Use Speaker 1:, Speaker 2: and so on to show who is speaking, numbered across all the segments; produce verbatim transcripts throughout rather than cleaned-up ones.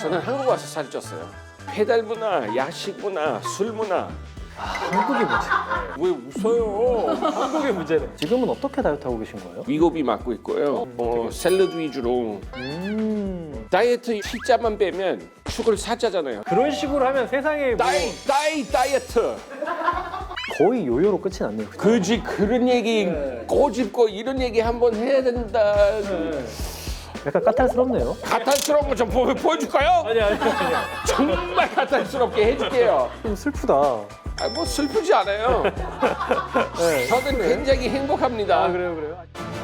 Speaker 1: 저는 한국 와서 살이 쪘어요. 배달 문화, 야식 문화, 술 문화.
Speaker 2: 아, 한국의 문제.
Speaker 1: 왜 웃어요?
Speaker 2: 한국의 문제네. 지금은 어떻게 다이어트 하고 계신 거예요?
Speaker 1: 위고비 맞고 있고요. 뭐 샐러드 위주로.
Speaker 2: 음.
Speaker 1: 다이어트 T자만 빼면 축을 사자잖아요.
Speaker 2: 그런 식으로 하면 세상에 뭐
Speaker 1: 다이 다이 다이어트.
Speaker 2: 거의 요요로 끝이 났네요.
Speaker 1: 그지 그런 얘기 꼬집고 이런 얘기 한번 해야 된다.
Speaker 2: 약간 까탈스럽네요.
Speaker 1: 가탈스러운 거 좀 보여줄까요?
Speaker 2: 아니 아니 아니.
Speaker 1: 정말 가탈스럽게 해줄게요.
Speaker 2: 좀 슬프다.
Speaker 1: 아, 뭐 슬프지 않아요.
Speaker 2: 네.
Speaker 1: 저는 굉장히 행복합니다.
Speaker 2: 아 그래요 그래요.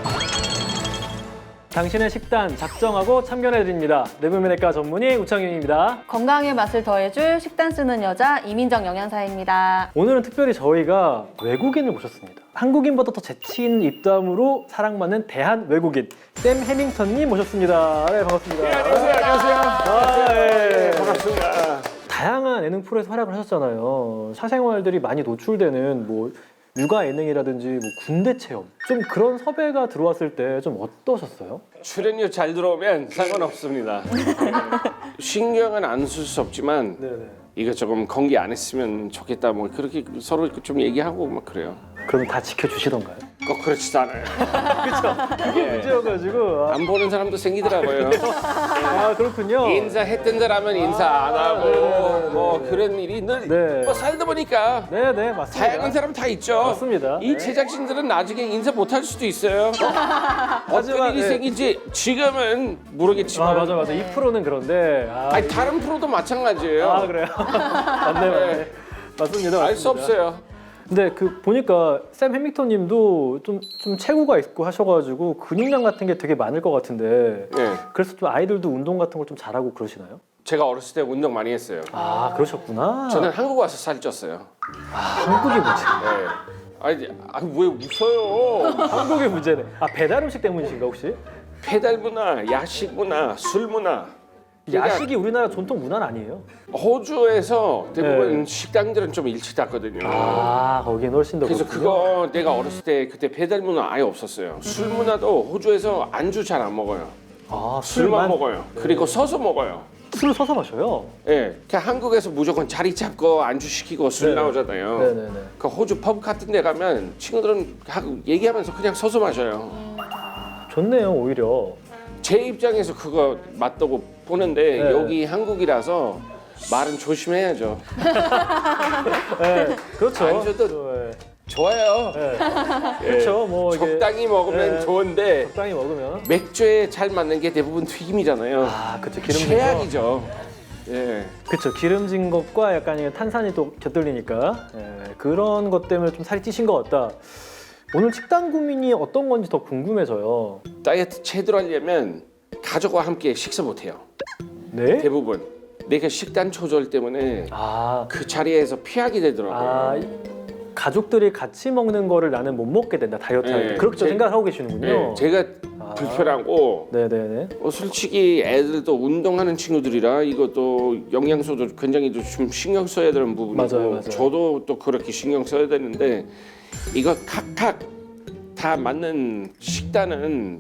Speaker 2: 당신의 식단 작정하고 참견해드립니다. 내부면외과 전문의 우창윤입니다.
Speaker 3: 건강의 맛을 더해줄 식단 쓰는 여자 이민정 영양사입니다.
Speaker 2: 오늘은 특별히 저희가 외국인을 모셨습니다. 한국인보다 더 재치 있는 입담으로 사랑받는 대한 외국인 샘 해밍턴님 모셨습니다. 네 반갑습니다.
Speaker 1: 네, 안녕하세요. 안녕하세요.
Speaker 2: 아, 예.
Speaker 1: 반갑습니다.
Speaker 2: 다양한 예능 프로에서 활약을 하셨잖아요. 사생활들이 많이 노출되는 뭐 육아 예능이라든지 뭐 군대 체험 좀 그런 섭외가 들어왔을 때 좀 어떠셨어요?
Speaker 1: 출연료 잘 들어오면 상관없습니다. 신경은 안 쓸 수 없지만
Speaker 2: 네네.
Speaker 1: 이거 조금 공개 안 했으면 좋겠다. 뭐 그렇게 서로 좀 얘기하고 막 그래요.
Speaker 2: 그러면 다 지켜주시던가요?
Speaker 1: 꼭 그렇지도 않아요.
Speaker 2: 그게 문제여가지고 아,
Speaker 1: 안 보는 사람도 생기더라고요.
Speaker 2: 아 그렇군요.
Speaker 1: 인사했던 사람은 인사 안 하고
Speaker 2: 네네네네.
Speaker 1: 뭐 그런 일이 늘
Speaker 2: 네.
Speaker 1: 뭐 살다 보니까
Speaker 2: 네네 맞습니다.
Speaker 1: 다양한 사람 다 있죠.
Speaker 2: 맞습니다.
Speaker 1: 이
Speaker 2: 네.
Speaker 1: 제작진들은 나중에 인사 못 할 수도 있어요. 어떤
Speaker 2: 하지만,
Speaker 1: 일이
Speaker 2: 네.
Speaker 1: 생긴지 지금은 모르겠지만
Speaker 2: 아 맞아 맞아 이 프로는 그런데 아,
Speaker 1: 아니, 다른 프로도 마찬가지예요.
Speaker 2: 아 그래요? 맞네 맞네 맞습니다.
Speaker 1: 알 수
Speaker 2: 맞습니다.
Speaker 1: 없어요.
Speaker 2: 근데 그 보니까 샘 해밍턴님도 좀 좀 체구가 있고 하셔가지고 근육량 같은 게 되게 많을 것 같은데
Speaker 1: 네.
Speaker 2: 그래서 좀 아이들도 운동 같은 걸 좀 잘하고 그러시나요?
Speaker 1: 제가 어렸을 때 운동 많이 했어요.
Speaker 2: 아 그러셨구나.
Speaker 1: 저는 한국 와서 살이 쪘어요.
Speaker 2: 아, 한국의 문제.
Speaker 1: 네. 아니, 아니 왜 웃어요?
Speaker 2: 한국의 문제네. 아 배달 음식 때문이신가 혹시?
Speaker 1: 배달 문화, 야식 문화, 술 문화. 그러니까
Speaker 2: 야식이 우리나라 전통 문화는 아니에요?
Speaker 1: 호주에서 대부분
Speaker 2: 네.
Speaker 1: 식당들은 좀 일찍 닫거든요.
Speaker 2: 아 거기는 훨씬 더
Speaker 1: 그래서
Speaker 2: 그렇군요.
Speaker 1: 그거 내가 어렸을 때 그때 배달 문화 아예 없었어요. 술 문화도 호주에서 안주 잘 안 먹어요.
Speaker 2: 아
Speaker 1: 술만
Speaker 2: 술만
Speaker 1: 먹어요. 그리고 서서 먹어요.
Speaker 2: 술을 서서 마셔요?
Speaker 1: 예, 그냥 한국에서 무조건 자리 잡고 안주 시키고 술
Speaker 2: 네네.
Speaker 1: 나오잖아요.
Speaker 2: 네네네.
Speaker 1: 그 호주 펍 같은 데 가면 친구들은 하고 얘기하면서 그냥 서서 마셔요.
Speaker 2: 좋네요 오히려.
Speaker 1: 제 입장에서 그거 맞다고 보는데
Speaker 2: 네.
Speaker 1: 여기 한국이라서 말은 조심해야죠.
Speaker 2: 네, 그렇죠.
Speaker 1: 안주도
Speaker 2: 네.
Speaker 1: 좋아요.
Speaker 2: 네.
Speaker 1: 예.
Speaker 2: 그렇죠. 뭐 이게
Speaker 1: 적당히 먹으면
Speaker 2: 네.
Speaker 1: 좋은데
Speaker 2: 적당히 먹으면
Speaker 1: 맥주에 잘 맞는 게 대부분 튀김이잖아요.
Speaker 2: 아 그렇죠. 기름진 거.
Speaker 1: 최악이죠. 예.
Speaker 2: 그렇죠. 기름진 것과 약간 이 탄산이 또 곁들리니까 예, 그런 것 때문에 좀 살이 찌신 것 같다. 오늘 식단 고민이 어떤 건지 더 궁금해져요.
Speaker 1: 다이어트 제대로 하려면 가족과 함께 식사 못 해요.
Speaker 2: 네?
Speaker 1: 대부분 내가 식단 조절 때문에
Speaker 2: 아,
Speaker 1: 그 자리에서 피하게 되더라고요.
Speaker 2: 아 이- 가족들이 같이 먹는 거를 나는 못 먹게 된다 다이어트 할 때.
Speaker 1: 네,
Speaker 2: 그렇게
Speaker 1: 제-
Speaker 2: 생각하고 계시는군요.
Speaker 1: 예, 제가
Speaker 2: 아.
Speaker 1: 불편하고
Speaker 2: 네네네.
Speaker 1: 어, 솔직히 애들도 운동하는 친구들이라 이것도 영양소도 굉장히 좀 신경 써야 되는 부분이고
Speaker 2: 맞아요, 맞아요.
Speaker 1: 저도 또 그렇게 신경 써야 되는데 이거 각각 다 맞는 식단은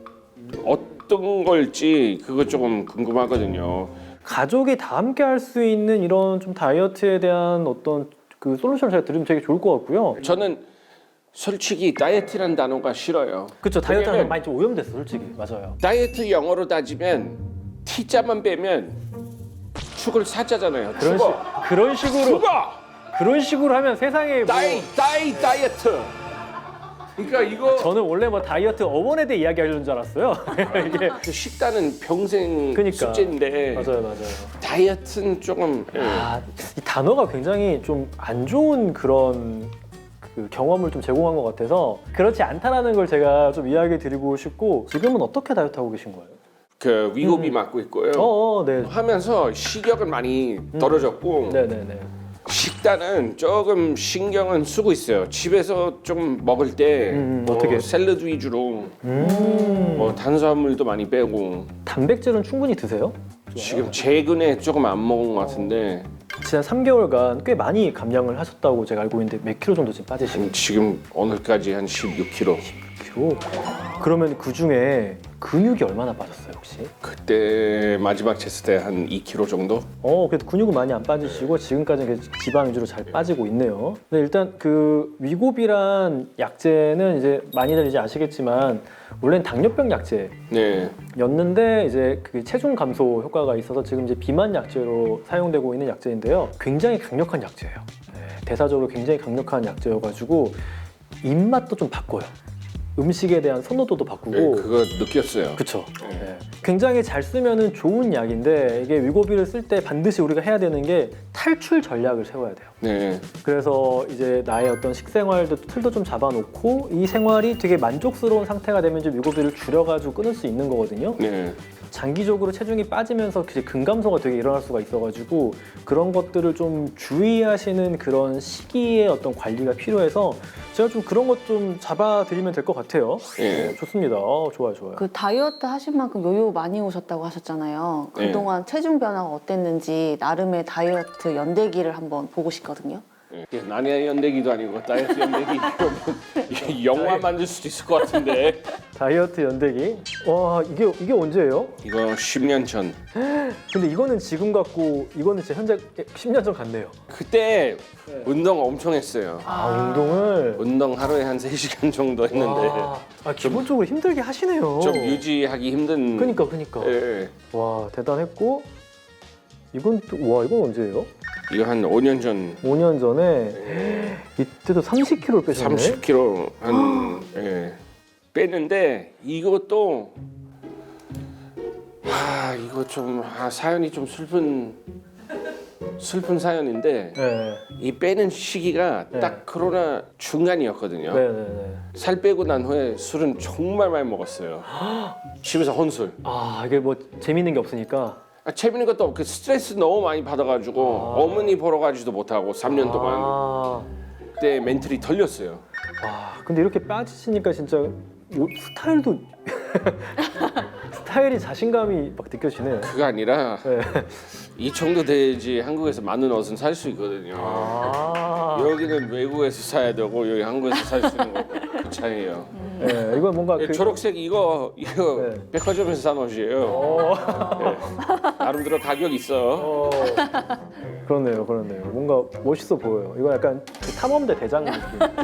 Speaker 1: 어떤 걸지 그거 조금 궁금하거든요.
Speaker 2: 가족이 다 함께 할 수 있는 이런 좀 다이어트에 대한 어떤 그 솔루션을 제가 들으면 되게 좋을 것 같고요.
Speaker 1: 저는 솔직히 다이어트라는 단어가 싫어요.
Speaker 2: 그렇죠. 다이어트는
Speaker 1: 왜냐면
Speaker 2: 많이 좀 오염됐어, 솔직히. 맞아요.
Speaker 1: 다이어트 영어로 따지면 T자만 빼면 축을 사자잖아요.
Speaker 2: 그런 식
Speaker 1: 죽어.
Speaker 2: 그런 식으로
Speaker 1: 죽어.
Speaker 2: 그런 식으로 하면 세상에 뭐
Speaker 1: 다이 다이 다이어트. 그러니까 이거
Speaker 2: 저는 원래 뭐 다이어트 어원에 대해 이야기하려는 줄 알았어요. 이게
Speaker 1: 그 식단은 평생
Speaker 2: 그러니까.
Speaker 1: 숙제인데
Speaker 2: 맞아요, 맞아요.
Speaker 1: 다이어트는 조금 예.
Speaker 2: 아, 이 단어가 굉장히 좀 안 좋은 그런 그 경험을 좀 제공한 것 같아서 그렇지 않다라는 걸 제가 좀 이야기 드리고 싶고 지금은 어떻게 다이어트 하고 계신 거예요?
Speaker 1: 그 위고비
Speaker 2: 음.
Speaker 1: 맞고 있고요.
Speaker 2: 어, 어 네.
Speaker 1: 하면서 식욕은 많이 떨어졌고
Speaker 2: 네, 네, 네.
Speaker 1: 식단은 조금 신경은 쓰고 있어요. 집에서 좀 먹을 때
Speaker 2: 음,
Speaker 1: 뭐
Speaker 2: 어떻게?
Speaker 1: 샐러드 위주로
Speaker 2: 음.
Speaker 1: 뭐 탄수화물도 많이 빼고
Speaker 2: 단백질은 충분히 드세요?
Speaker 1: 지금 최근에 조금 안 먹은 것 같은데
Speaker 2: 지난 삼 개월간 꽤 많이 감량을 하셨다고 제가 알고 있는데 몇 킬로 정도 지금 빠지신
Speaker 1: 지금 오늘까지 한 십육 킬로그램.
Speaker 2: 킬로? 그러면 그 중에 근육이 얼마나 빠졌어요 혹시?
Speaker 1: 그때 마지막 쟀을 때 한 이 킬로그램 정도?
Speaker 2: 어, 그래도 근육은 많이 안 빠지시고 지금까지는 계속 지방 위주로 잘 빠지고 있네요. 근데 일단 그 위고비란 약제는 이제 많이들 이제 아시겠지만 원래는 당뇨병 약제였는데
Speaker 1: 네.
Speaker 2: 이제 그 체중 감소 효과가 있어서 지금 이제 비만 약제로 사용되고 있는 약제인데요. 굉장히 강력한 약제예요. 네, 대사적으로 굉장히 강력한 약제여가지고 입맛도 좀 바꿔요. 음식에 대한 선호도도 바꾸고.
Speaker 1: 네, 그거 느꼈어요.
Speaker 2: 그쵸.
Speaker 1: 네.
Speaker 2: 네. 굉장히 잘 쓰면은 좋은 약인데 이게 위고비를 쓸 때 반드시 우리가 해야 되는 게 탈출 전략을 세워야 돼요.
Speaker 1: 네.
Speaker 2: 그래서 이제 나의 어떤 식생활도 틀도 좀 잡아놓고 이 생활이 되게 만족스러운 상태가 되면 이제 위고비를 줄여가지고 끊을 수 있는 거거든요.
Speaker 1: 네.
Speaker 2: 장기적으로 체중이 빠지면서 이제 근감소가 되게 일어날 수가 있어가지고 그런 것들을 좀 주의하시는 그런 시기의 어떤 관리가 필요해서 제가 좀 그런 것 좀 잡아드리면 될 것 같아요.
Speaker 1: 예.
Speaker 2: 네, 좋습니다. 어, 좋아요, 좋아요.
Speaker 3: 그 다이어트 하신 만큼 요요 많이 오셨다고 하셨잖아요.
Speaker 1: 네.
Speaker 3: 그동안 체중 변화가 어땠는지 나름의 다이어트 연대기를 한번 보고 싶거든요.
Speaker 1: 네. 나의 연대기도 아니고 다이어트 연대기 이러면 영화 만들 수도 있을 것 같은데.
Speaker 2: 다이어트 연대기. 와, 이게 이게 언제예요?
Speaker 1: 이거 십 년 전.
Speaker 2: 근데 이거는 지금 같고 이거는 진짜 현재 십 년 전 같네요.
Speaker 1: 그때 운동 엄청 했어요.
Speaker 2: 아, 운동을.
Speaker 1: 운동 하루에 한 세 시간 정도 했는데
Speaker 2: 와, 아, 기본적으로 힘들게 하시네요.
Speaker 1: 좀 유지하기 힘든.
Speaker 2: 그니까, 그니까.
Speaker 1: 예.
Speaker 2: 와, 대단했고 이건 또, 와, 이건 언제예요?
Speaker 1: 이거 한 오 년 전
Speaker 2: 오 년 전에 이때도 삼십 킬로그램을 빼셨네.
Speaker 1: 삼십 킬로그램 한 예. 뺐는데 이것도 아 이거 좀 아, 사연이 좀 슬픈 슬픈 사연인데
Speaker 2: 네,
Speaker 1: 이 빼는 시기가
Speaker 2: 네.
Speaker 1: 딱 코로나 중간이었거든요.
Speaker 2: 네, 네, 네.
Speaker 1: 살 빼고 난 후에 술은 정말 많이 먹었어요. 집에서 혼술.
Speaker 2: 아, 이게 뭐 재밌는 게 없으니까.
Speaker 1: 아, 재밌는 것도 없고 스트레스 너무 많이 받아가지고
Speaker 2: 아.
Speaker 1: 어머니 보러 가지도 못하고 삼 년 동안
Speaker 2: 아,
Speaker 1: 그때 멘탈이 털렸어요.
Speaker 2: 와, 근데 이렇게 빠지시니까 진짜 옷 스타일도 스타일이 자신감이 막 느껴지네.
Speaker 1: 그가 아니라
Speaker 2: 네.
Speaker 1: 이 정도 돼야지 한국에서 많은 옷은 살 수 있거든요.
Speaker 2: 아,
Speaker 1: 여기는 외국에서 사야 되고 여기 한국에서 살 수 있는 거고 그 차이예요.
Speaker 2: 네, 이건 뭔가 그.
Speaker 1: 초록색 이거 이거
Speaker 2: 네.
Speaker 1: 백화점에서 산 옷이에요.
Speaker 2: 어,
Speaker 1: 네. 나름대로 가격 있어.
Speaker 2: 어, 그렇네요, 그렇네요. 뭔가 멋있어 보여요. 이거 약간 그 탐험대 대장 느낌.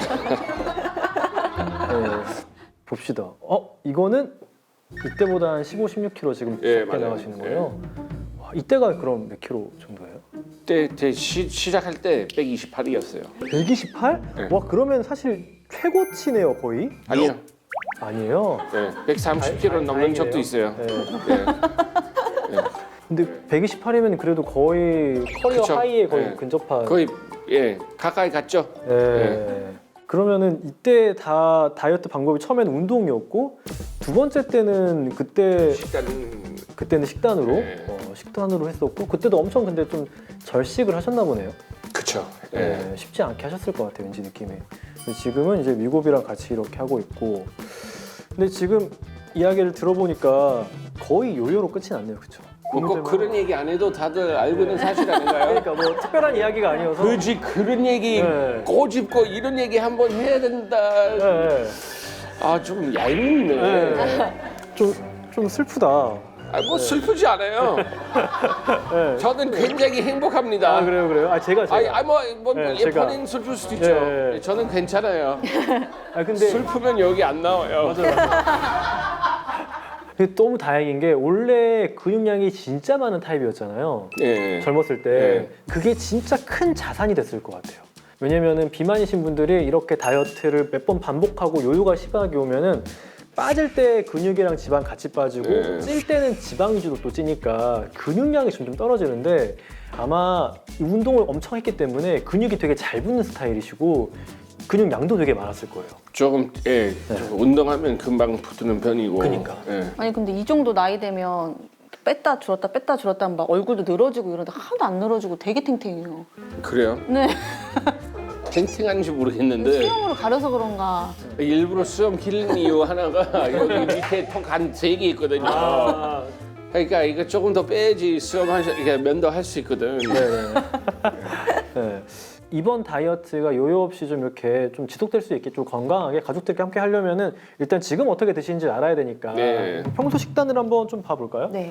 Speaker 2: 네, 봅시다. 어, 이거는 이때보다 한 십오, 십육 킬로그램 지금
Speaker 1: 예,
Speaker 2: 적게
Speaker 1: 맞아요.
Speaker 2: 나가시는 거예요. 와, 이때가 그럼 몇 킬로 정도예요?
Speaker 1: 그때 그때 시, 시작할 때 백이십팔이었어요.
Speaker 2: 백이십팔?
Speaker 1: 네.
Speaker 2: 와, 그러면 사실 최고치네요, 거의?
Speaker 1: 아니요.
Speaker 2: 아니에요.
Speaker 1: 네, 백삼십 킬로그램 넘는
Speaker 2: 다행이네요.
Speaker 1: 적도 있어요.
Speaker 2: 네.
Speaker 1: 네.
Speaker 2: 근데 백이십팔이면 그래도 거의 커리어
Speaker 1: 그쵸.
Speaker 2: 하이에 거의
Speaker 1: 네.
Speaker 2: 근접한.
Speaker 1: 거의 예 가까이 갔죠.
Speaker 2: 예. 그러면은 이때 다 다이어트 방법이 처음에는 운동이었고 두 번째 때는 그때
Speaker 1: 식단은
Speaker 2: 그때는 식단으로
Speaker 1: 네.
Speaker 2: 어, 식단으로 했었고 그때도 엄청 근데 좀 절식을 하셨나 보네요.
Speaker 1: 그쵸.
Speaker 2: 예,
Speaker 1: 예.
Speaker 2: 쉽지 않게 하셨을 것 같아요, 왠지 느낌이. 근데 지금은 이제 위고비랑 같이 이렇게 하고 있고. 근데 지금 이야기를 들어보니까 거의 요요로 끝이 났네요, 그렇죠?
Speaker 1: 뭐 꼭 그런 얘기 안 해도 다들 알고 있는 사실 아닌가요?
Speaker 2: 그러니까 뭐 특별한 이야기가 아니어서.
Speaker 1: 그지 그런 얘기
Speaker 2: 네.
Speaker 1: 꼬집고 이런 얘기 한번 해야 된다.
Speaker 2: 예, 예.
Speaker 1: 아 좀 얄밉네.
Speaker 2: 예. 좀, 좀 슬프다.
Speaker 1: 아 뭐 슬프지 않아요.
Speaker 2: 예.
Speaker 1: 저는 굉장히 행복합니다.
Speaker 2: 아, 그래요, 그래요? 아, 제가, 제가.
Speaker 1: 아니, 아니 뭐, 뭐
Speaker 2: 네,
Speaker 1: 예,
Speaker 2: 제가.
Speaker 1: 본인 슬플 수도 있죠.
Speaker 2: 예, 예.
Speaker 1: 저는 괜찮아요.
Speaker 2: 아, 근데.
Speaker 1: 슬프면 여기 안 나와요.
Speaker 2: 근데 너무 다행인 게 원래 근육량이 진짜 많은 타입이었잖아요.
Speaker 1: 예.
Speaker 2: 젊었을 때
Speaker 1: 네.
Speaker 2: 그게 진짜 큰 자산이 됐을 것 같아요. 왜냐면은 비만이신 분들이 이렇게 다이어트를 몇 번 반복하고 요요가 심하게 오면은 빠질 때 근육이랑 지방 같이 빠지고
Speaker 1: 네.
Speaker 2: 찔 때는 지방 위주로 또 찌니까 근육량이 점점 떨어지는데 아마 이 운동을 엄청 했기 때문에 근육이 되게 잘 붙는 스타일이시고 근육량도 되게 많았을 거예요.
Speaker 1: 조금 예,
Speaker 2: 네.
Speaker 1: 좀 운동하면 금방 붙는 편이고.
Speaker 2: 그러니까.
Speaker 1: 예.
Speaker 3: 아니 근데 이 정도 나이 되면 뺐다 줄었다 뺐다 줄었다 하면 막 얼굴도 늘어지고 이러는데 하나도 안 늘어지고 되게 탱탱해요.
Speaker 1: 그래요?
Speaker 3: 네.
Speaker 1: 탱탱한지 모르겠는데
Speaker 3: 수영으로 가려서 그런가.
Speaker 1: 일부러 수염 기른 이유 하나가 여기 밑에 턱 한 세 개 있거든요.
Speaker 2: 아,
Speaker 1: 그러니까 이거 조금 더 빼야지 수염 한 이렇게 면도 할 수 있거든.
Speaker 2: 네네. 네. 이번 다이어트가 요요 없이 좀 이렇게 좀 지속될 수 있게 좀 건강하게 가족들과 함께 하려면은 일단 지금 어떻게 드시는지 알아야 되니까
Speaker 1: 네.
Speaker 2: 평소 식단을 한번 좀 봐볼까요?
Speaker 3: 네.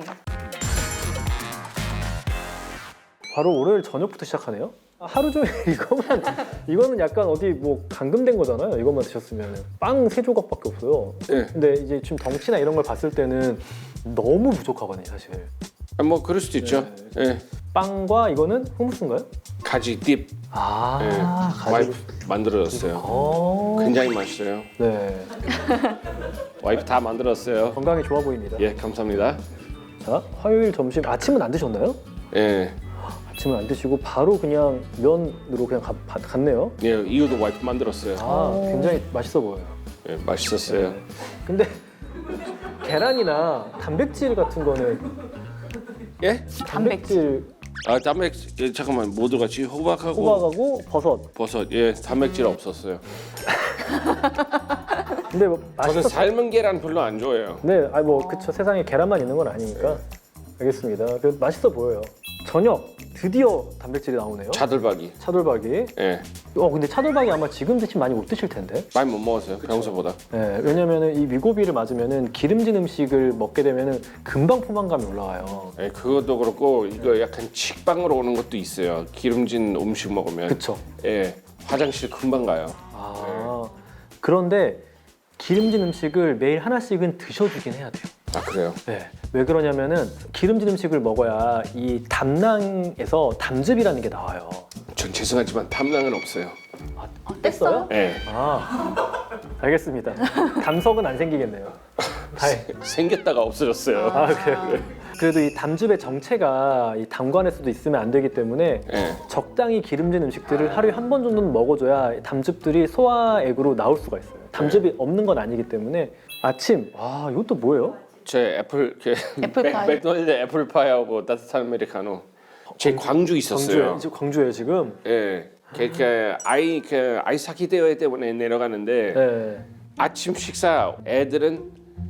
Speaker 2: 바로 월요일 저녁부터 시작하네요. 하루 종일 이거만 이거는 약간 어디 뭐 감금된 거잖아요. 이것만 드셨으면 빵 세 조각밖에 없어요.
Speaker 1: 네.
Speaker 2: 근데 이제 지금 덩치나 이런 걸 봤을 때는 너무 부족하거든요, 사실.
Speaker 1: 아, 뭐 그럴 수도 있죠. 예.
Speaker 2: 빵과 이거는 hummus인가요?
Speaker 1: 가지 딥
Speaker 2: 아,
Speaker 1: 예.
Speaker 2: 가지고.
Speaker 1: 와이프 만들어줬어요.
Speaker 2: 어.
Speaker 1: 굉장히 맛있어요.
Speaker 2: 네,
Speaker 1: 와이프 다 만들었어요.
Speaker 2: 건강에 좋아 보입니다.
Speaker 1: 예, 감사합니다.
Speaker 2: 자, 화요일 점심 아침은 안 드셨나요?
Speaker 1: 예,
Speaker 2: 아침은 안 드시고 바로 그냥 면으로 그냥 가, 가- 갔네요.
Speaker 1: 예, 이거도 와이프 만들었어요.
Speaker 2: 아, 굉장히 맛있어 보여요.
Speaker 1: 예, 맛있었어요.
Speaker 2: 근데 계란이나 단백질 같은 거는
Speaker 1: 예?
Speaker 2: 단백질
Speaker 1: 아, 단백질 예, 잠깐만 뭐 들어갔지? 호박하고
Speaker 2: 호박하고 버섯.
Speaker 1: 버섯. 예, 단백질 없었어요.
Speaker 2: 근데 뭐
Speaker 1: 저는
Speaker 2: 맛있어.
Speaker 1: 삶은 계란 별로 안 좋아해요.
Speaker 2: 네, 아니 뭐 그쵸 세상에 계란만 있는 건 아니니까. 알겠습니다. 그래도 맛있어 보여요. 저녁 드디어 단백질이 나오네요.
Speaker 1: 차돌박이.
Speaker 2: 차돌박이.
Speaker 1: 예,
Speaker 2: 어 근데 차돌박이 아마 지금 드시면 많이 못 드실 텐데.
Speaker 1: 많이 못 먹었어요. 평소보다.
Speaker 2: 네, 왜냐면은 이 위고비를 맞으면은 기름진 음식을 먹게 되면은 금방 포만감이 올라와요.
Speaker 1: 예, 그것도 그렇고 이거 약간 식빵으로 오는 것도 있어요. 기름진 음식 먹으면.
Speaker 2: 그쵸?
Speaker 1: 예, 화장실 금방 가요.
Speaker 2: 아 그런데 기름진 음식을 매일 하나씩은 드셔주긴 해야 돼요.
Speaker 1: 아, 그래요?
Speaker 2: 네. 왜 그러냐면은 기름진 음식을 먹어야 이 담낭에서 담즙이라는 게 나와요.
Speaker 1: 전 죄송하지만 탐낭은 없어요.
Speaker 2: 아,
Speaker 3: 아, 뗐어요?
Speaker 1: 예,
Speaker 2: 아 알겠습니다. 담석은 안 생기겠네요. 다행.
Speaker 1: 생겼다가 없어졌어요.
Speaker 2: 아 그래요. 그래도 이 담즙의 정체가 이 담관에서도 있으면 안 되기 때문에
Speaker 1: 예,
Speaker 2: 적당히 기름진 음식들을 하루에 한 번 정도는 먹어줘야 담즙들이 소화액으로 나올 수가 있어요. 담즙이 없는 건 아니기 때문에 아침 와 이것도 뭐예요?
Speaker 1: 제 애플 그
Speaker 3: 애플파이?
Speaker 1: 맥- 맥도날드 애플파이하고 따뜻한 아메리카노. 제 광주 있었어요.
Speaker 2: 광주에 지금 광주에 지금.
Speaker 1: 예, 그, 그 아이 그 아이스하키 대회 때문에 내려가는데
Speaker 2: 네.
Speaker 1: 아침 식사 애들은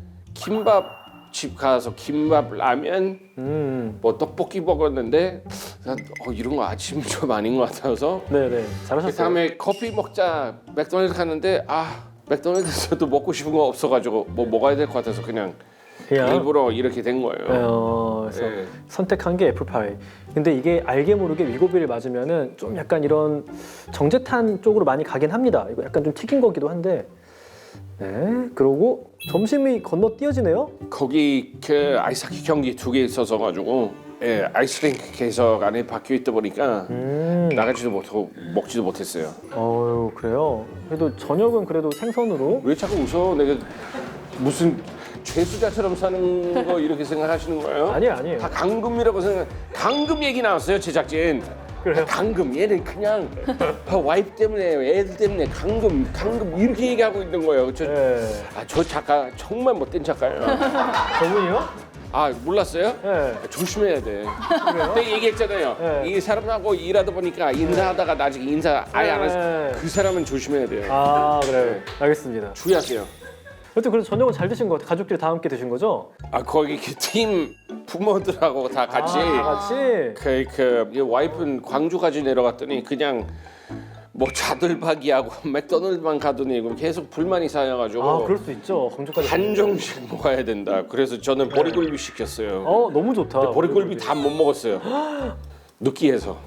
Speaker 1: 김밥집 가서 김밥 라면
Speaker 2: 음.
Speaker 1: 뭐 떡볶이 먹었는데 난, 어, 이런 거 아침 좀 아닌 것 같아서
Speaker 2: 네네 잘하셨어요.
Speaker 1: 그 다음에 커피 먹자 맥도날드 갔는데 아 맥도날드에서도 먹고 싶은 거 없어가지고 뭐 먹어야 될 것 같아서 그냥
Speaker 2: 그냥
Speaker 1: 일부러 이렇게 된 거예요.
Speaker 2: 어, 그래서
Speaker 1: 예.
Speaker 2: 선택한 게 애플파이. 근데 이게 알게 모르게 위고비를 맞으면은 좀 약간 이런 정제탄 쪽으로 많이 가긴 합니다. 이거 약간 좀 튀긴 거기도 한데. 네. 그러고 점심이 건너뛰어지네요.
Speaker 1: 거기 그 아이스하키 경기 두 개 있어서 가지고 예, 아이스링크 계속 안에 박혀 있다 보니까
Speaker 2: 음.
Speaker 1: 나가지도 못하고 먹지도 못했어요.
Speaker 2: 어유 그래요. 그래도 저녁은 그래도 생선으로.
Speaker 1: 왜 자꾸 웃어? 내가 무슨 죄수자처럼 사는 거 이렇게 생각하시는 거예요?
Speaker 2: 아니에요, 아니에요.
Speaker 1: 다 강금이라고 생각. 강금 얘기 나왔어요 제작진.
Speaker 2: 그래요?
Speaker 1: 강금 얘는 그냥 와이프 때문에 애들 때문에 강금 강금 이렇게 얘기하고 있는 거예요. 저,
Speaker 2: 네.
Speaker 1: 아, 저 작가 정말 못된 작가예요.
Speaker 2: 저분이요?
Speaker 1: 아 몰랐어요?
Speaker 2: 네.
Speaker 1: 조심해야 돼.
Speaker 2: 그래요?
Speaker 1: 내가 얘기했잖아요.
Speaker 2: 네.
Speaker 1: 이 사람하고 일하다 보니까 인사하다가 나중에 인사 아예 안 해서
Speaker 2: 네.
Speaker 1: 그 사람은 조심해야 돼요.
Speaker 2: 아 그래요. 알겠습니다.
Speaker 1: 주의하세요.
Speaker 2: 여튼 그래도 저녁은 잘 드신 것 같아요. 가족들이 다 함께 드신 거죠?
Speaker 1: 아 거기 그 팀 부모들하고 다 같이
Speaker 2: 아, 같이.
Speaker 1: 그, 그 와이프는 광주까지 내려갔더니 그냥 뭐 차돌박이하고 맥도날드만 가더니 계속 불만이 쌓여가지고
Speaker 2: 아 그럴 수 있죠. 광주까지.
Speaker 1: 한정식 먹어야 된다. 그래서 저는 보리굴비 시켰어요.
Speaker 2: 어 너무 좋다.
Speaker 1: 보리굴비 다 못 먹었어요. 느끼해서.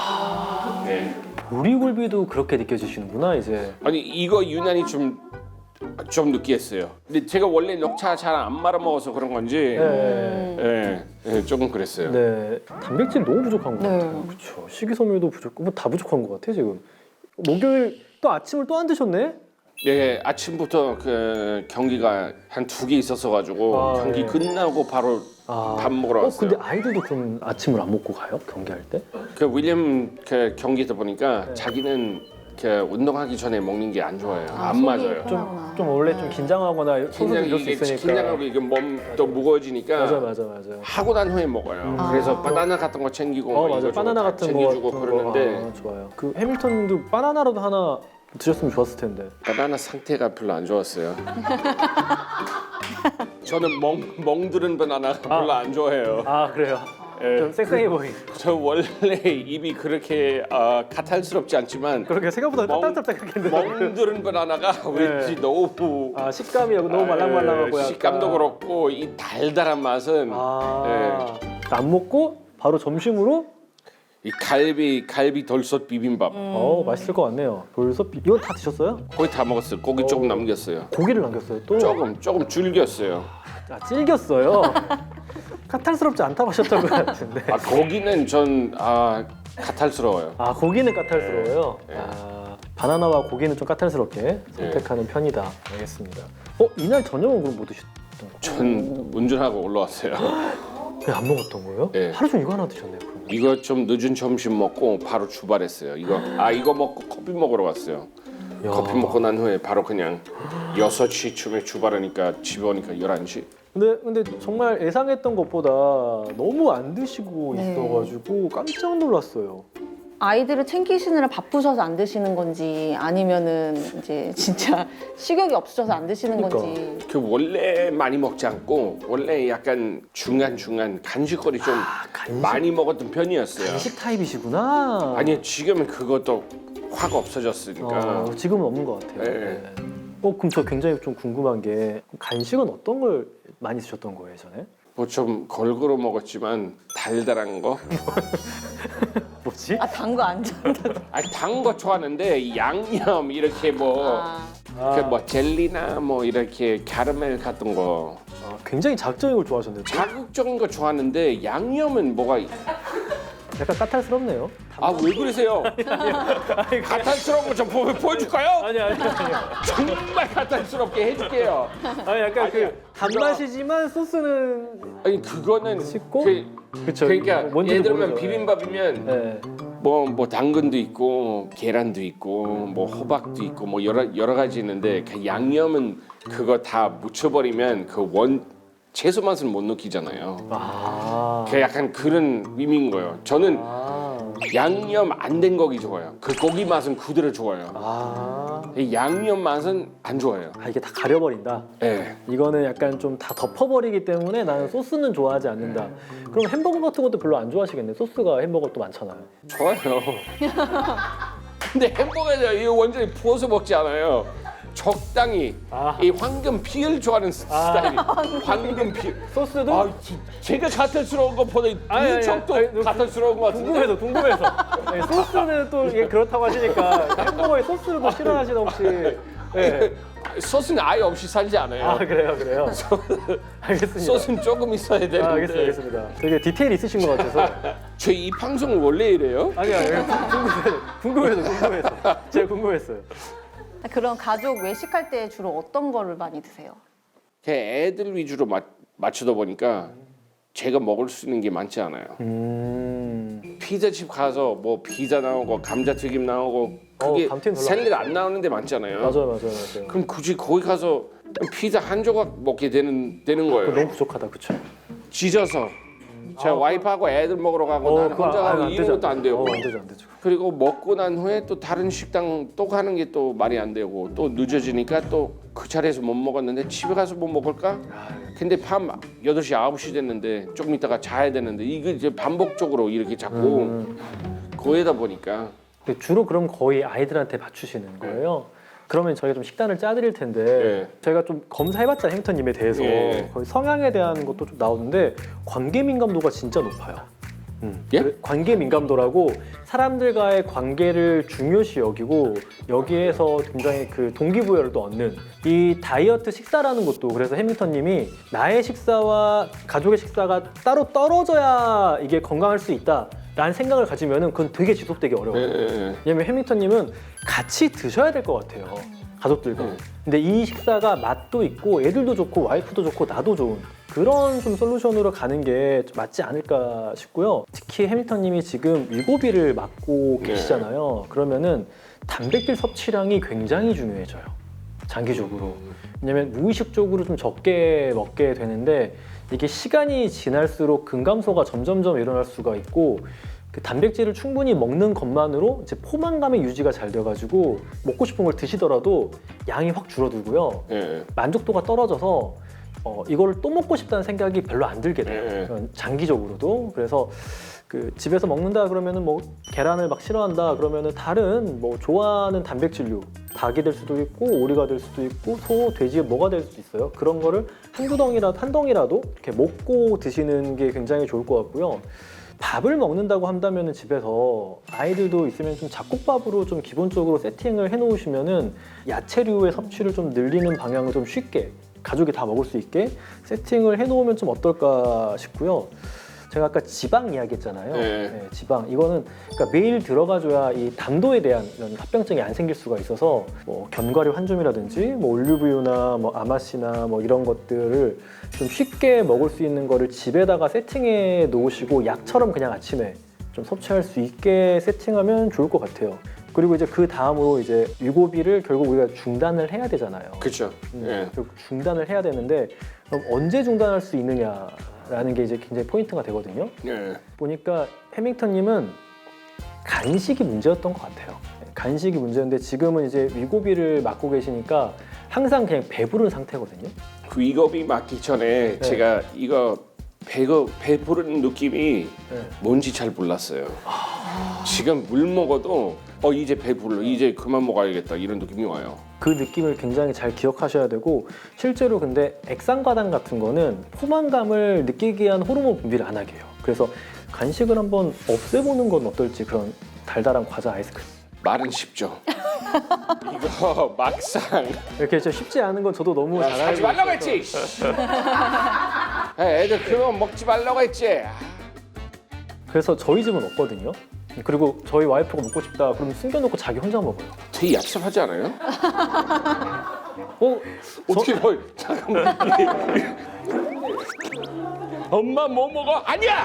Speaker 1: 네.
Speaker 2: 보리굴비도 그렇게 느껴지시는구나 이제.
Speaker 1: 아니 이거 유난히 좀 좀 느끼했어요. 근데 제가 원래 녹차 잘 안 말아 먹어서 그런 건지
Speaker 2: 네.
Speaker 1: 예, 예, 조금 그랬어요.
Speaker 2: 네. 단백질 너무 부족한 것
Speaker 3: 네.
Speaker 2: 같아요. 그렇죠. 식이섬유도 부족고 뭐 다 부족한 것 같아 지금. 목요일 또 아침을 또 안 드셨네?
Speaker 1: 예, 아침부터 그 경기가 한 두 개 있었어 가지고
Speaker 2: 아,
Speaker 1: 경기
Speaker 2: 예.
Speaker 1: 끝나고 바로
Speaker 2: 아.
Speaker 1: 밥 먹으러
Speaker 2: 어
Speaker 1: 왔어요.
Speaker 2: 근데 아이들도 그럼 아침을 안 먹고 가요? 경기할 때?
Speaker 1: 그 윌리엄 그 경기다 보니까
Speaker 2: 네.
Speaker 1: 자기는 그 운동하기 전에 먹는 게 안 좋아요.
Speaker 3: 아,
Speaker 1: 안
Speaker 3: 속이
Speaker 1: 맞아요.
Speaker 3: 편하구나.
Speaker 2: 좀 원래 좀 긴장하거나 소소
Speaker 1: 긴장
Speaker 2: 이럴 수
Speaker 1: 이게
Speaker 2: 있으니까.
Speaker 1: 긴장하고 이게 몸도 무거워지니까
Speaker 2: 맞아 맞아 맞아.
Speaker 1: 하고 난 후에 먹어요.
Speaker 2: 음.
Speaker 1: 그래서
Speaker 3: 아.
Speaker 1: 바나나 같은 거 챙기고
Speaker 2: 어
Speaker 1: 뭐
Speaker 2: 맞아.
Speaker 1: 이거 저거
Speaker 2: 바나나
Speaker 1: 다
Speaker 2: 같은 거
Speaker 1: 챙겨주고
Speaker 2: 같은
Speaker 1: 그러는데
Speaker 2: 거. 아, 좋아요. 그 해밀턴도 바나나라도 하나 드셨으면 좋았을 텐데.
Speaker 1: 바나나 상태가 별로 안 좋았어요. 저는 멍 멍들은 바나나 별로 안 좋아해요.
Speaker 2: 아 그래요.
Speaker 1: 예.
Speaker 2: 좀 섹시해 보이.
Speaker 1: 저 원래 입이 그렇게 어, 가탈스럽지 않지만
Speaker 2: 그렇게 생각보다
Speaker 1: 멍-
Speaker 2: 딱딱딱딱했는데.
Speaker 1: 멍드는 바나나가 왠지 너무
Speaker 2: 아 식감이 너무 말랑말랑하고
Speaker 1: 예, 식감도
Speaker 2: 약간.
Speaker 1: 그렇고 이 달달한 맛은
Speaker 2: 아. 안 먹고 바로 점심으로
Speaker 1: 이 갈비 갈비 돌솥 비빔밥
Speaker 2: 어 맛있을 것 같네요. 돌솥 비... 이건 다 드셨어요?
Speaker 1: 거의 다 먹었어요. 고기 조금 남겼어요.
Speaker 2: 고기를 남겼어요 또?
Speaker 1: 조금 조금 줄겼어요.
Speaker 2: 아 질겼어요. 까탈스럽지 않다고 하셨던 것 같은데.
Speaker 1: 아 고기는 전 아 가탈스러워요.
Speaker 2: 아 고기는 까탈스러워요.
Speaker 1: 네.
Speaker 2: 아 바나나와 고기는 좀 까탈스럽게 선택하는 편이다. 알겠습니다. 어 이날 저녁은 그럼 뭐 드셨던 거예요?
Speaker 1: 전 운전하고 올라왔어요.
Speaker 2: 왜 안 먹었던 거예요?
Speaker 1: 네.
Speaker 2: 하루 종일 이거 하나 드셨네요. 그럼.
Speaker 1: 이거 좀 늦은 점심 먹고 바로 출발했어요. 이거 아 이거 먹고 커피 먹으러 갔어요.
Speaker 2: 야.
Speaker 1: 커피 먹고 난 후에 바로 그냥 여섯 시쯤에 출발하니까 집에 오니까 열한 시.
Speaker 2: 근데 근데 정말 예상했던 것보다 너무 안 드시고
Speaker 3: 네.
Speaker 2: 있어가지고 깜짝 놀랐어요.
Speaker 3: 아이들을 챙기시느라 바쁘셔서 안 드시는 건지 아니면은 이제 진짜 식욕이 없으셔서 안 드시는
Speaker 2: 그러니까.
Speaker 3: 건지.
Speaker 1: 그 원래 많이 먹지 않고 원래 약간 중간 중간 간식거리 좀
Speaker 2: 간식?
Speaker 1: 많이 먹었던 편이었어요.
Speaker 2: 간식 타입이시구나.
Speaker 1: 아니 지금은 그것도 확 없어졌으니까.
Speaker 2: 어, 지금은 없는 것 같아요.
Speaker 1: 네.
Speaker 2: 네. 어 그럼 저 굉장히 좀 궁금한 게 간식은 어떤 걸 많이 드셨던 거예요 전에?
Speaker 1: 뭐 좀 걸그로 먹었지만 달달한 거.
Speaker 2: 뭐지?
Speaker 3: 아 단 거 안 좋아한다.
Speaker 1: 아니 단 거 좋아하는데 이 양념 이렇게 뭐.
Speaker 3: 아,
Speaker 1: 그 뭐 젤리나 뭐 이렇게 캐러멜 같은 거
Speaker 2: 아, 굉장히 자극적인 걸 좋아하셨는데
Speaker 1: 자극적인 거 좋아하는데 양념은 뭐가
Speaker 2: 약간 까탈스럽네요.
Speaker 1: 아 왜 그러세요? 가탄스러운 거 좀 보여줄까요?
Speaker 2: 아니 아니 아니.
Speaker 1: 정말 가탄스럽게 해줄게요.
Speaker 2: 아니 약간
Speaker 1: 아니야.
Speaker 2: 그 단맛이지만 소스는
Speaker 1: 아니 그거는
Speaker 2: 씻고?
Speaker 1: 그,
Speaker 2: 그쵸.
Speaker 1: 그러니까
Speaker 2: 뭔지도
Speaker 1: 예를 들면
Speaker 2: 모르죠.
Speaker 1: 비빔밥이면
Speaker 2: 네.
Speaker 1: 뭐 뭐 당근도 있고 계란도 있고 뭐 호박도 있고 뭐 여러 여러 가지 있는데 그 양념은 그거 다 묻혀버리면 그 원 채소 맛은 못 느끼잖아요.
Speaker 2: 아.
Speaker 1: 그 약간 그런 의미인 거예요. 저는
Speaker 2: 아.
Speaker 1: 양념 안 된 고기 좋아요. 그 고기 맛은 그대로 좋아요.
Speaker 2: 아.
Speaker 1: 이 양념 맛은 안 좋아해요.
Speaker 2: 아 이게 다 가려버린다.
Speaker 1: 예.
Speaker 2: 이거는 약간 좀 다 덮어버리기 때문에 나는 소스는 좋아하지 않는다. 그럼 햄버거 같은 것도 별로 안 좋아하시겠네. 소스가 햄버거 또 많잖아요.
Speaker 1: 좋아요. 근데 햄버거에 이 완전히 부어서 먹지 않아요. 적당히
Speaker 2: 아.
Speaker 1: 이 황금 피를 좋아하는 스타일이 황금 피.
Speaker 2: 소스도
Speaker 1: 아, 지- 제가 가탈스러운 것보다
Speaker 2: 아니, 아니,
Speaker 1: 이쪽도
Speaker 2: 아니, 아니,
Speaker 1: 가탈스러운 것 같은데.
Speaker 2: 궁금해서 궁금해서. 네, 소스는 또 이게 그렇다고 하시니까 햄버거에 소스를 또 싫어하시나 혹시? 네.
Speaker 1: 소스는 아예 없이 살지 않아요.
Speaker 2: 아 그래요 그래요. 알겠습니다.
Speaker 1: 소스는 조금 있어야 되는데.
Speaker 2: 아, 알겠습니다 알겠습니다. 되게 디테일 있으신 것 같아서.
Speaker 1: 저 이 방송은 원래 이래요?
Speaker 2: 아니 아니 궁금해서 궁금해서 궁금해서 제가 궁금했어요.
Speaker 3: 그럼 가족 외식할 때 주로 어떤 거를 많이 드세요?
Speaker 1: 그 애들 위주로 맞, 맞추다 보니까 제가 먹을 수 있는 게 많지 않아요.
Speaker 2: 음.
Speaker 1: 피자집 가서 뭐 피자 나오고 감자튀김 나오고 그게
Speaker 2: 어, 감튀는 별로
Speaker 1: 샐러드 안 나오는 데 많잖아요.
Speaker 2: 맞아요 맞아요 맞아요.
Speaker 1: 그럼 굳이 거기 가서 피자 한 조각 먹게 되는 되는
Speaker 2: 그거
Speaker 1: 거예요.
Speaker 2: 너무 부족하다 그쵸?
Speaker 1: 지져서 제
Speaker 2: 아,
Speaker 1: 와이프하고 애들 먹으러 가고
Speaker 2: 어,
Speaker 1: 나는
Speaker 2: 그거
Speaker 1: 혼자
Speaker 2: 아,
Speaker 1: 가고
Speaker 2: 안
Speaker 1: 이런
Speaker 2: 되죠,
Speaker 1: 것도 안 되고
Speaker 2: 어, 안 되죠 안 되죠.
Speaker 1: 그리고 먹고 난 후에 또 다른 식당 또 가는 게 또 말이 안 되고 또 늦어지니까 또 그 자리에서 못 먹었는데 집에 가서 뭐 먹을까? 근데 밤 여덟 시 아홉 시 됐는데 조금 있다가 자야 되는데 이게 이제 반복적으로 이렇게 자꾸
Speaker 2: 음.
Speaker 1: 거기다 보니까
Speaker 2: 근데 주로 그럼 거의 아이들한테 맞추시는 거예요? 그러면 저희가 좀 식단을 짜드릴 텐데
Speaker 1: 네.
Speaker 2: 저희가 좀 검사해봤자 햄턴님에 대해서
Speaker 1: 네.
Speaker 2: 거의 성향에 대한 것도 좀 나오는데 관계 민감도가 진짜 높아요. 음.
Speaker 1: 예?
Speaker 2: 그래- 관계 민감도라고 사람들과의 관계를 중요시 여기고 여기에서 굉장히 그 동기부여를 또 얻는 이 다이어트 식사라는 것도 그래서 해밍턴님이 나의 식사와 가족의 식사가 따로 떨어져야 이게 건강할 수 있다. 라는 생각을 가지면은 그건 되게 지속되기 어려워요.
Speaker 1: 예, 예, 예.
Speaker 2: 왜냐면 해밍턴님은 같이 드셔야 될 것 같아요. 가족들과.
Speaker 1: 음.
Speaker 2: 근데 이 식사가 맛도 있고 애들도 좋고 와이프도 좋고 나도 좋은 그런 좀 솔루션으로 가는 게 맞지 않을까 싶고요. 특히 해밀턴님이 지금 위고비를 맞고
Speaker 1: 네.
Speaker 2: 계시잖아요. 그러면은 단백질 섭취량이 굉장히 중요해져요. 장기적으로. 왜냐면 무의식적으로 좀 적게 먹게 되는데 이게 시간이 지날수록 근감소가 점점점 일어날 수가 있고 그 단백질을 충분히 먹는 것만으로 이제 포만감의 유지가 잘 돼가지고 먹고 싶은 걸 드시더라도 양이 확 줄어들고요.
Speaker 1: 예, 예.
Speaker 2: 만족도가 떨어져서 어, 이거를 또 먹고 싶다는 생각이 별로 안 들게 돼요.
Speaker 1: 네.
Speaker 2: 장기적으로도. 그래서 그 집에서 먹는다 그러면은 뭐 계란을 막 싫어한다 그러면은 다른 뭐 좋아하는 단백질류 닭이 될 수도 있고 오리가 될 수도 있고 소, 돼지 뭐가 될 수도 있어요. 그런 거를 한두 덩이라도 한 덩이라도 이렇게 먹고 드시는 게 굉장히 좋을 것 같고요. 밥을 먹는다고 한다면은 집에서 아이들도 있으면 좀 잡곡밥으로 좀 기본적으로 세팅을 해놓으시면은 야채류의 섭취를 좀 늘리는 방향을 좀 쉽게 가족이 다 먹을 수 있게 세팅을 해놓으면 좀 어떨까 싶고요. 제가 아까 지방 이야기했잖아요.
Speaker 1: 네.
Speaker 2: 네, 지방 이거는 그러니까 매일 들어가줘야 이 담도에 대한 이런 합병증이 안 생길 수가 있어서 뭐 견과류 한 줌이라든지 뭐 올리브유나 뭐 아마씨나 뭐 이런 것들을 좀 쉽게 먹을 수 있는 거를 집에다가 세팅해 놓으시고 약처럼 그냥 아침에 좀 섭취할 수 있게 세팅하면 좋을 것 같아요. 그리고 이제 그 다음으로 이제 위고비를 결국 우리가 중단을 해야 되잖아요.
Speaker 1: 그렇죠.
Speaker 2: 음,
Speaker 1: 예.
Speaker 2: 결국 중단을 해야 되는데 그럼 언제 중단할 수 있느냐? 라는 게 이제 굉장히 포인트가 되거든요.
Speaker 1: 예.
Speaker 2: 보니까 해밍턴님은 간식이 문제였던 것 같아요. 간식이 문제였는데 지금은 이제 위고비를 맞고 계시니까 항상 그냥 배부른 상태거든요.
Speaker 1: 그 위고비 맞기 전에
Speaker 2: 네.
Speaker 1: 제가 이거 배가 배부른 느낌이
Speaker 2: 네.
Speaker 1: 뭔지 잘 몰랐어요. 지금 물 먹어도 어 이제 배불러 이제 그만 먹어야겠다 이런 느낌이 와요.
Speaker 2: 그 느낌을 굉장히 잘 기억하셔야 되고 실제로 근데 액상과당 같은 거는 포만감을 느끼게 위한 호르몬 분비를 안 하게 해요. 그래서 간식을 한번 없애보는 건 어떨지 그런 달달한 과자 아이스크림.
Speaker 1: 말은 쉽죠. 이거 막상
Speaker 2: 이렇게 진짜 쉽지 않은 건 저도 너무 잘 알고
Speaker 1: 하지 말라고
Speaker 2: 있어서.
Speaker 1: 했지. 에, 애들 그런 거 먹지 말라고 했지.
Speaker 2: 그래서 저희 집은 없거든요. 그리고 저희 와이프가 먹고 싶다 그러면 숨겨놓고 자기 혼자 먹어요.
Speaker 1: 되게 얍삽하지 않아요?
Speaker 2: 어?
Speaker 1: 어떻게 뭐 잠깐만. 엄마 뭐 먹어? 아니야.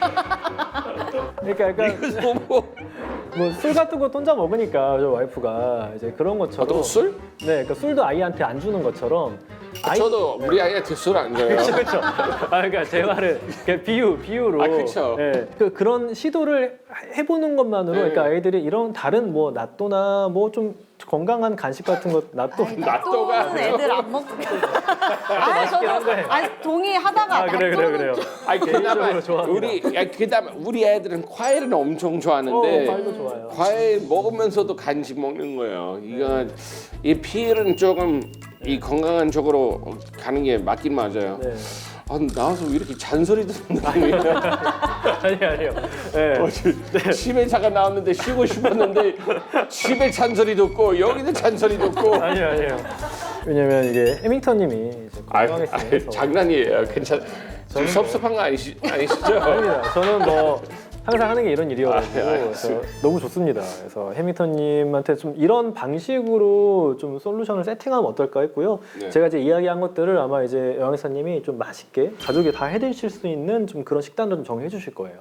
Speaker 2: 그러니까 약간
Speaker 1: 이거 뭐
Speaker 2: 뭐 술 같은 거 혼자 먹으니까 저 와이프가 이제 그런 것처럼
Speaker 1: 어떤 술?
Speaker 2: 네, 그러니까 술도 아이한테 안 주는 것처럼 아이
Speaker 1: 저도 우리 아이한테 술 안 줘요.
Speaker 2: 그렇죠, 그렇죠. 아, 그러니까 제 말을 그냥 비유, 비유로.
Speaker 1: 아, 그쵸.
Speaker 2: 예, 그, 그런 시도를 해보는 것만으로,
Speaker 1: 네.
Speaker 2: 그러니까 아이들이 이런 다른 뭐 낫또나 뭐 좀 건강한 간식 같은 것, 낫또.
Speaker 3: 아니,
Speaker 1: 낫또가
Speaker 3: 낫또는 애들 안 먹고. 아,
Speaker 2: 맛있긴 한 거예요.
Speaker 3: 아니 동의하다가
Speaker 2: 아, 그래, 그래,
Speaker 3: 낫또는
Speaker 2: 그래요.
Speaker 1: 아니 그나마
Speaker 2: 개인적으로 좋아합니다.
Speaker 1: 우리 야, 그다음 우리 애들은 과일은 엄청 좋아하는데
Speaker 2: 어, 과일도 좋아요.
Speaker 1: 과일 먹으면서도 간식 먹는 거예요. 이거 이 피해는 조금 이 건강한 쪽으로 가는 게 맞긴 맞아요.
Speaker 2: 네.
Speaker 1: 아, 나와서 왜 이렇게 잔소리 듣는 느낌이야?
Speaker 2: 아니, 아니요. 네.
Speaker 1: 어, 지- 집에 잠깐 나왔는데 쉬고 싶었는데 집에 잔소리 듣고 여기도 잔소리 듣고.
Speaker 2: 아니요, 아니요. 왜냐면 이게 해밍턴님이 이제
Speaker 1: 아유,
Speaker 2: 건강했으면
Speaker 1: 아유,
Speaker 2: 해서.
Speaker 1: 장난이에요. 괜찮. 좀 섭섭한 거 아니시, 아니시죠?
Speaker 2: 아닙니다. 저는 뭐 항상 하는 게 이런 일이어가지고
Speaker 1: 아, 네,
Speaker 2: 그래서 너무 좋습니다. 그래서 해밍턴님한테 좀 이런 방식으로 좀 솔루션을 세팅하면 어떨까 했고요.
Speaker 1: 네.
Speaker 2: 제가 이제 이야기한 것들을 아마 이제 영희사님이 좀 맛있게 가족이 다 해드실 수 있는 좀 그런 식단을 좀 정해 주실 거예요.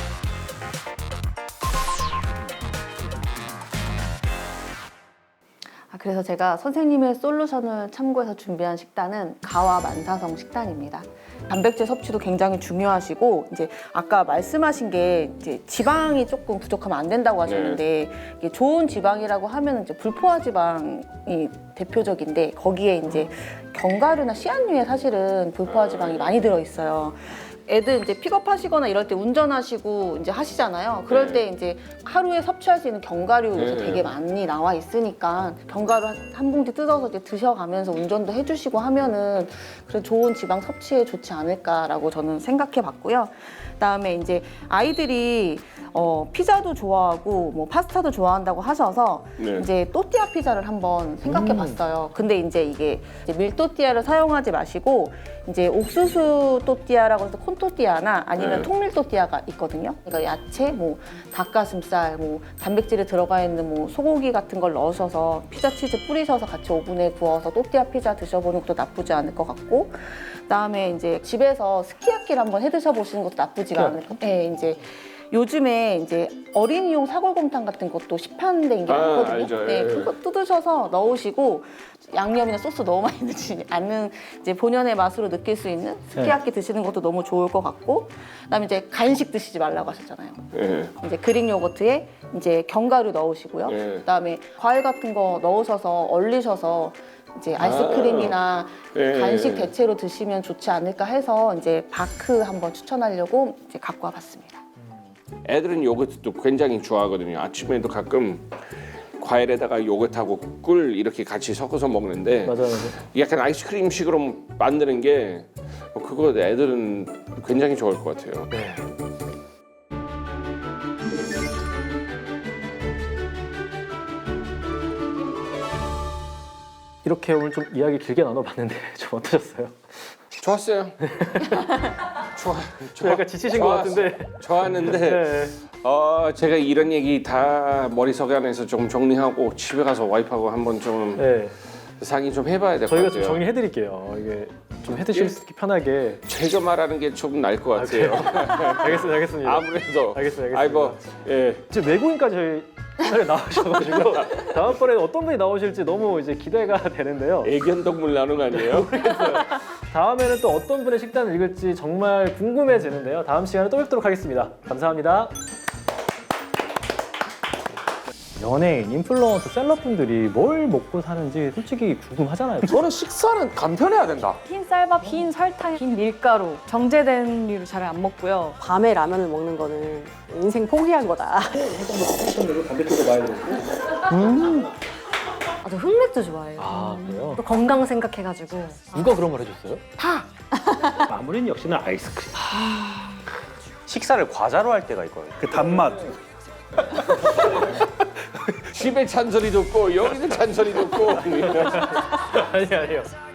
Speaker 3: 아, 그래서 제가 선생님의 솔루션을 참고해서 준비한 식단은 가와 만사성 식단입니다. 단백질 섭취도 굉장히 중요하시고 이제 아까 말씀하신 게 이제 지방이 조금 부족하면 안 된다고 하셨는데 이게 좋은 지방이라고 하면 이제 불포화 지방이 대표적인데 거기에 이제 견과류나 씨앗류에 사실은 불포화 지방이 많이 들어 있어요. 애들 이제 픽업하시거나 이럴 때 운전하시고 이제 하시잖아요. 그럴
Speaker 1: 네.
Speaker 3: 때 이제 하루에 섭취할 수 있는 견과류 요새
Speaker 1: 네.
Speaker 3: 되게 많이 나와 있으니까 견과류 한, 한 봉지 뜯어서 이제 드셔가면서 운전도 해주시고 하면은 그런 좋은 지방 섭취에 좋지 않을까라고 저는 생각해봤고요. 그다음에 이제 아이들이 어, 피자도 좋아하고 뭐 파스타도 좋아한다고 하셔서
Speaker 1: 네.
Speaker 3: 이제 또띠아 피자를 한번 생각해봤어요. 근데 이제 이게 이제 밀또띠아를 사용하지 마시고 이제 옥수수 또띠아라고 해서 콘또띠아나 아니면
Speaker 1: 네.
Speaker 3: 통밀또띠아가 있거든요. 그러니까 야채, 뭐 닭가슴살, 뭐 단백질이 들어가 있는 뭐 소고기 같은 걸 넣으셔서 피자 치즈 뿌리셔서 같이 오븐에 구워서 또띠아 피자 드셔보는 것도 나쁘지 않을 것 같고, 그다음에 이제 집에서 스키야키를 한번 해 드셔보시는 것도 나쁘지가 않을 것 같아요. 네, 이제 요즘에 이제 어린이용 사골곰탕 같은 것도 시판된 게
Speaker 1: 아,
Speaker 3: 많거든요.
Speaker 1: 알죠.
Speaker 3: 네,
Speaker 1: 예.
Speaker 3: 그거 뜯으셔서 넣으시고 양념이나 소스 너무 많이 넣지 않는 이제 본연의 맛으로 느낄 수 있는 스키야키 드시는 것도 너무 좋을 것 같고, 그다음에 이제 간식 드시지 말라고 하셨잖아요.
Speaker 1: 예.
Speaker 3: 이제 그릭 요거트에 이제 견과류 넣으시고요.
Speaker 1: 예.
Speaker 3: 그다음에 과일 같은 거 넣으셔서 얼리셔서 이제 아이스크림이나
Speaker 1: 예.
Speaker 3: 간식 대체로 드시면 좋지 않을까 해서 이제 바크 한번 추천하려고 이제 갖고 와봤습니다.
Speaker 1: 애들은 요거트도 굉장히 좋아하거든요. 아침에도 가끔 과일에다가 요거트하고 꿀 이렇게 같이 섞어서 먹는데
Speaker 2: 맞아요, 맞아요.
Speaker 1: 약간 아이스크림식으로 만드는 게 그거 애들은 굉장히 좋아할 것 같아요.
Speaker 2: 네. 이렇게 오늘 좀 이야기 길게 나눠봤는데 좀 어떠셨어요?
Speaker 1: 좋았어요. 좋아,
Speaker 2: 좀 약간 지치신 것 같은데.
Speaker 1: 좋았는데
Speaker 2: 네.
Speaker 1: 어, 제가 이런 얘기 다 머릿속 안에서 좀 정리하고 집에 가서 와이프하고 한번 좀
Speaker 2: 네.
Speaker 1: 상의 좀 해봐야 될 것
Speaker 2: 저희가
Speaker 1: 같아요.
Speaker 2: 좀 정리해드릴게요. 이게 좀 해드실
Speaker 1: 예?
Speaker 2: 수 있게 편하게.
Speaker 1: 제가 말하는 게 좀 나을 것 같아요.
Speaker 2: 알겠습니다, 알겠습니다.
Speaker 1: 아무래도
Speaker 2: 알겠습니다, 알겠습니다.
Speaker 1: 아이고 예.
Speaker 2: 지금 외국인까지 저희 채널에 나오셔가지고 다음번에 어떤 분이 나오실지 너무 이제 기대가 되는데요.
Speaker 1: 애견동물 나눔 아니에요?
Speaker 2: 다음에는 또 어떤 분의 식단을 읽을지 정말 궁금해지는데요. 다음 시간에 또 뵙도록 하겠습니다. 감사합니다. 연예인, 인플루언서, 셀럽분들이 뭘 먹고 사는지 솔직히 궁금하잖아요.
Speaker 4: 저는 식사는 간편해야 된다.
Speaker 5: 흰 쌀밥, 흰 설탕, 흰 밀가루 정제된 류를 잘 안 먹고요.
Speaker 6: 밤에 라면을 먹는 거는 인생 포기한 거다.
Speaker 2: 단백질도 많이 들었고.
Speaker 5: 아, 저 흑맥주 좋아해요.
Speaker 2: 아, 그래요?
Speaker 5: 또 건강 생각해가지고.
Speaker 2: 누가 그런 말 해줬어요?
Speaker 5: 다!
Speaker 2: 마무리는 역시나 아이스크림.
Speaker 4: 식사를 과자로 할 때가 있거든요.
Speaker 7: 그 단맛.
Speaker 1: 집에 잔소리 듣고 여기서 잔소리 듣고
Speaker 2: 아니, 아니요.